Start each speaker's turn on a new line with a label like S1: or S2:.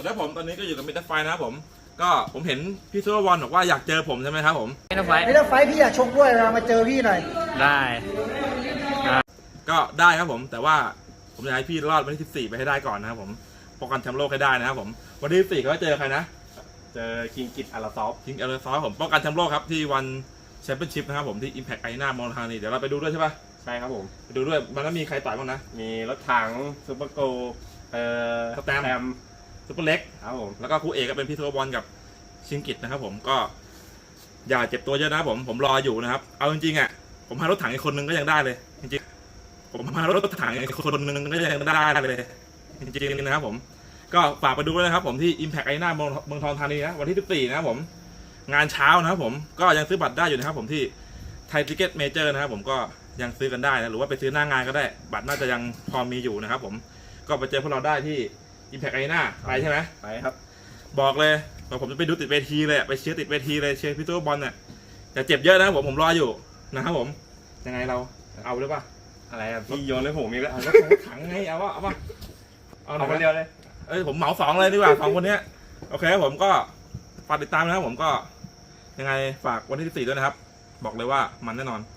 S1: แล้วผมตอนนี้ก็อยู่กับมิสเตอร์ไฟนะครับผมเห็นพี่ซูเปอร์บอลบอกว่าอยากเจอผมใช่ไหมครับผม
S2: ไม่ต้องไฟ
S3: ไม่ต้องไฟพี่อยากชกด้วยมาเจอพี่หน่อย
S2: ได้
S1: ก็ได้ครับผมแต่ว่าผมอยากให้พี่รอดวันที่14ไปให้ได้ก่อนนะครับผมป้องกันแชมป์โลกให้ได้นะครับผมวันที่14เขาจะเจอใครนะ
S4: เจอคิงกิตอาราซอฟ
S1: คิงอาร์ซอผมป้องกันแชมป์โลกครับที่วันแชมเปี้ยนชิพนะครับผมที่ Impact Arena มอลทานีเดี๋ยวเราไปดูด้วยใช่ปะ
S4: ใช่ครับผม
S1: ไปดูด้วยมันแล้วมีใครต่อยบ้างนะ
S4: มีรถถังซูเปอร์โก
S1: สแตมซุปเปอร์เล็ก
S4: ครับผม
S1: แล้วก็คู่เอกก็เป็นพี่ซูเปอร์บอลกับชิงกิตนะครับผมก็อย่าเจ็บตัวเยอะนะครับผมรออยู่นะครับเอาจริงๆอ่ะผมพารถถังอีกคนนึงก็ยังได้เลยจริงๆผมพารถถังอีกคนนึงก็ยังได้เลยจริงๆนะครับผมก็ฝากไปดูด้วยนะครับผมที่ Impact Arena เมืองทองธานีนะวันที่14นะครับผมงานเช้านะครับผมก็ยังซื้อบัตรได้อยู่นะครับผมที่ไทยทิเก็ตเมเจอร์นะครับผมก็ยังซื้อกันได้นะหรือว่าไปซื้อหน้างานก็ได้บัตรน่าจะยังพอมีอยู่นะครับผมก็ไปเจอพวกเราได้ที่ Impact Arena ไปใช่ไหม
S4: ไปครับ
S1: บอกเลยว่าผมจะไปดูติดเวทีเลยไปเชียร์ติดเวทีเลยเชียร์พี่ตัวบอลเนี่ยแต่เจ็บเยอะนะผมรออยู่นะครับผมยังไงเราเอาหรือเปล่า
S4: อะไรอ่ะพี่โยนให้ผมอีกแล้ว
S1: เอาถังไงเอาวะ
S4: เอาคนเดียวเลย
S1: ผมเหมา2เลยดีกว่า2คนนี้โอเคครับผมก็ฝากติดตามนะครับผมก็ยังไงฝากวันที่14ด้วยนะครับบอกเลยว่ามันแน่นอน